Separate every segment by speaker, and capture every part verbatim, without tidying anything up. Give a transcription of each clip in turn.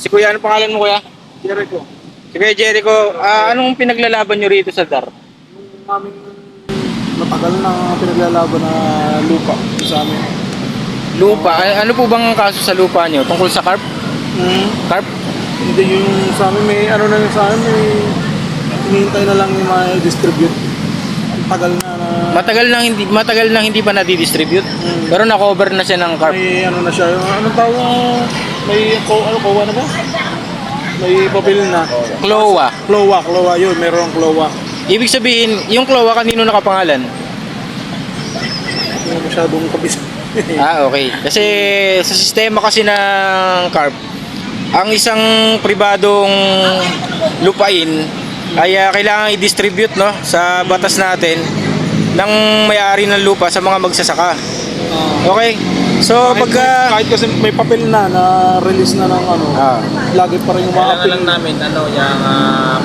Speaker 1: Si Kuya, ano pangalan mo, Kuya?
Speaker 2: Jericho.
Speaker 1: Si Kuya Jericho, ah, anong pinaglalaban nyo rito sa D A R?
Speaker 2: Yung aming matagal na pinaglalaban na lupa sa amin.
Speaker 1: Lupa? A- ano po bang kaso sa lupa nyo? Tungkol sa carp?
Speaker 2: Hmm.
Speaker 1: Carp?
Speaker 2: Hindi yung sa amin may ano na yung sa amin may hinihintay na lang yung ma-distribute. Ang tagal na na
Speaker 1: Matagal nang hindi matagal nang hindi pa na-distribute.
Speaker 2: Hmm.
Speaker 1: Pero na-cover na siya ng carp.
Speaker 2: may ano na siya. Yung anong tawag may ko ano kowa na ba? May papel na.
Speaker 1: Cloa.
Speaker 2: Cloa, Cloa yun. Meron ang Cloa.
Speaker 1: Ibig sabihin, yung Cloa kanino nakapangalan?
Speaker 2: Hindi masyadong kabis.
Speaker 1: Ah, okay. Kasi sa sistema kasi ng carp, ang isang pribadong lupain ay ah, kailangan i-distribute, no, sa batas natin ng may-ari ng lupa sa mga magsasaka. Okay? So,
Speaker 2: Kahit,
Speaker 1: pagka...
Speaker 2: kahit kasi may papel na na release na ng ano,
Speaker 1: Ah.
Speaker 2: lagi pa rin
Speaker 3: Kailangan
Speaker 2: umapil.
Speaker 3: lang namin ano yung uh,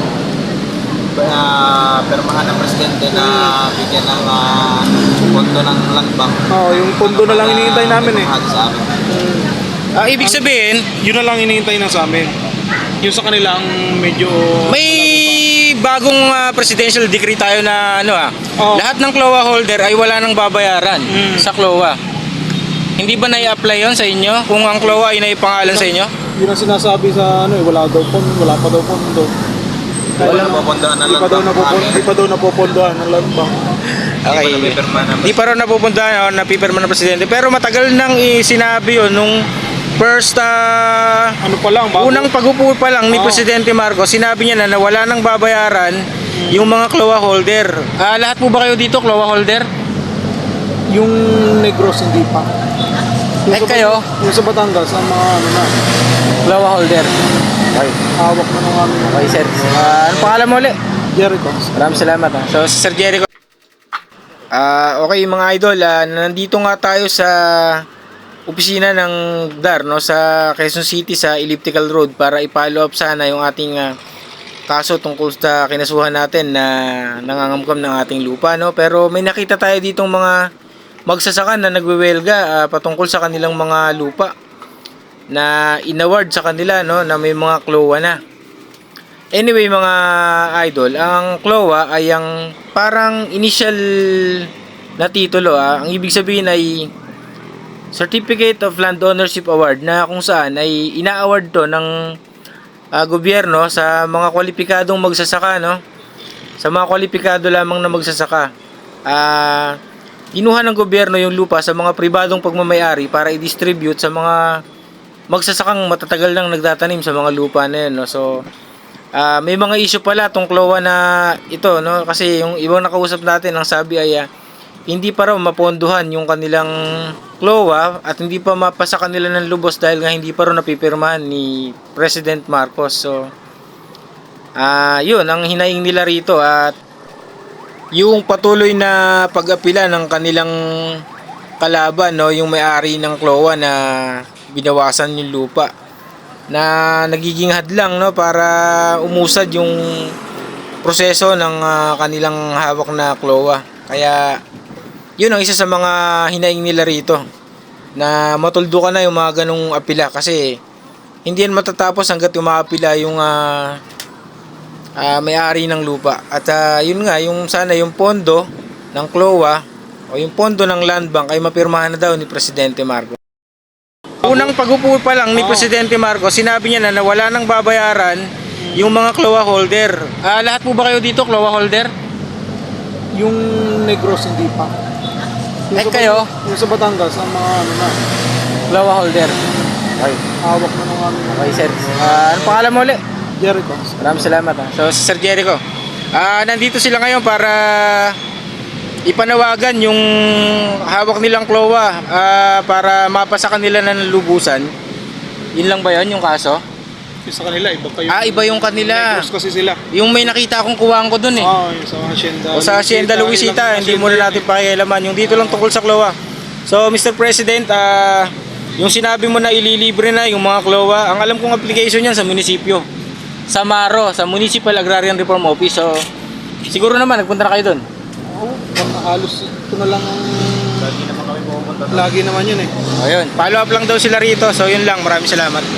Speaker 3: uh, permahan ng presidente na bigyan ng uh, pondo ng land bank.
Speaker 2: Oo, yung pondo na lang hinihintay namin eh.
Speaker 3: Sa amin.
Speaker 1: Ah, ibig sabihin,
Speaker 2: Yun na lang hinihintay na sa amin. Yung sa kanila ang medyo
Speaker 1: may bagong ah, presidential decree tayo na ano ah.
Speaker 2: Oo.
Speaker 1: Lahat ng Cloa holder ay wala nang babayaran
Speaker 2: Mm.
Speaker 1: sa Cloa. Hindi ba nai-apply yon sa inyo? Kung ang Cloa ay naipangalan sa inyo?
Speaker 2: yun ang sinasabi sa ano eh, wala daw pondo, wala pa daw pondo.
Speaker 3: Wala napopondohan ng
Speaker 2: Di
Speaker 3: land
Speaker 2: pa daw
Speaker 3: bank.
Speaker 2: napopondo, di pa daw napopondohan ng land bank.
Speaker 1: Okay.
Speaker 3: Hindi pa napipirma ng
Speaker 1: Di pa raw napupuntahan o napipirma ng presidente. Pero matagal nang sinabi yun nung first ah,
Speaker 2: Ano pa lang, bago,
Speaker 1: unang pag-upo pa lang ni
Speaker 2: Oo.
Speaker 1: Presidente Marcos, sinabi niya na, na wala nang babayaran yung mga Cloa holder. Ah, lahat po ba kayo dito Cloa holder?
Speaker 2: yung Negros hindi pa. Yung
Speaker 1: Eh,
Speaker 2: sa-
Speaker 1: kayo?
Speaker 2: Yung sa Batangas, ang mga ano na,
Speaker 1: Cloa holder. Okay.
Speaker 2: hawak na ng aming
Speaker 1: Okay, sir. Ah, ano pangalan mo ulit?
Speaker 2: Jericho.
Speaker 1: Maraming salamat. Ha. So, si Sir Jericho. Ah, okay mga idol, ah, nandito nga tayo sa opisina ng D A R, no, sa Quezon City sa Elliptical Road para i-follow up sana yung ating ah, kaso tungkol sa kinasuhan natin na nangangamkam ng ating lupa, no. Pero may nakita tayo ditong mga magsasaka na nagwewelga ah, patungkol sa kanilang mga lupa na inaward sa kanila, no, na may mga Cloa na. Anyway mga idol, ang Cloa ay ang parang initial na titulo. Ah. Ang ibig sabihin ay Certificate of Land Ownership Award na kung saan ay ina-award to ng ah, gobyerno sa mga kwalipikadong magsasaka, no? Sa mga kwalipikado lamang na magsasaka. Ah, kinuha ng gobyerno yung lupa sa mga pribadong pagmamayari para i-distribute sa mga magsasakang matatagal nang nagtatanim sa mga lupa na yun, no? So, Ah, may mga issue pala tong Cloa na ito, no, kasi yung ibang nakausap natin ang sabi ay ah, hindi pa raw maponduhan yung kanilang Cloa at hindi pa mapasa kanila ng lubos dahil nga hindi pa raw napipirmahan ni President Marcos. So ah yun ang hinaing nila rito at yung patuloy na pag-apila ng kanilang kalaban, no, yung may-ari ng Cloa na binawasan yung lupa na nagiging hadlang, no, para umusad yung proseso ng ah, kanilang hawak na Cloa. Kaya yun ang isa sa mga hinaing nila rito na matuldo ka na yung mga ganong apila kasi hindi yan matatapos hanggat umaapila yung ah, ah, may-ari ng lupa. At ah, yun nga, yung sana yung pondo ng Cloa o yung pondo ng land bank ay mapirmahan na daw ni Presidente Marcos. Unang pag-upo pa lang ni Presidente Marcos, sinabi niya na, na wala nang babayaran yung mga Cloa holder. Ah, lahat po ba kayo dito Cloa holder?
Speaker 2: Yung Negros hindi pa. Yung
Speaker 1: Eh,
Speaker 2: sa-
Speaker 1: kayo?
Speaker 2: Yung sa Batangas, ang mga ano na,
Speaker 1: Cloa holder. Okay.
Speaker 2: hawak na ng aming
Speaker 1: Okay, sir. Ah, ano pangalan mo ulit?
Speaker 2: Jericho.
Speaker 1: Maraming salamat. Ha. So, si Sir Jericho. Ah, nandito sila ngayon para ipanawagan yung hawak nilang Cloa ah, para mapasa kanila ng lubusan. Yun lang ba yun yung kaso?
Speaker 2: Yung sa kanila, iba pa yung
Speaker 1: Ah, iba yung kanila.
Speaker 2: Negros kasi sila.
Speaker 1: Yung may nakita akong kuwang ko dun eh.
Speaker 2: Oo, yung sa Hacienda.
Speaker 1: O sa Hacienda Luisita, hindi muna natin pakialaman. Yung dito lang tungkol sa Cloa. So, Mister President, ah, yung sinabi mo na ililibre na yung mga Cloa, ang alam kong application yan sa munisipyo. Sa Maro, sa Municipal Agrarian Reform Office. So, siguro naman, nagpunta na kayo dun.
Speaker 2: Oo, halos ito na lang ang...
Speaker 3: Lagi naman kami pumunta.
Speaker 2: Lagi naman yun eh.
Speaker 1: O yun, follow up lang daw sila rito. So, yun lang. Maraming salamat.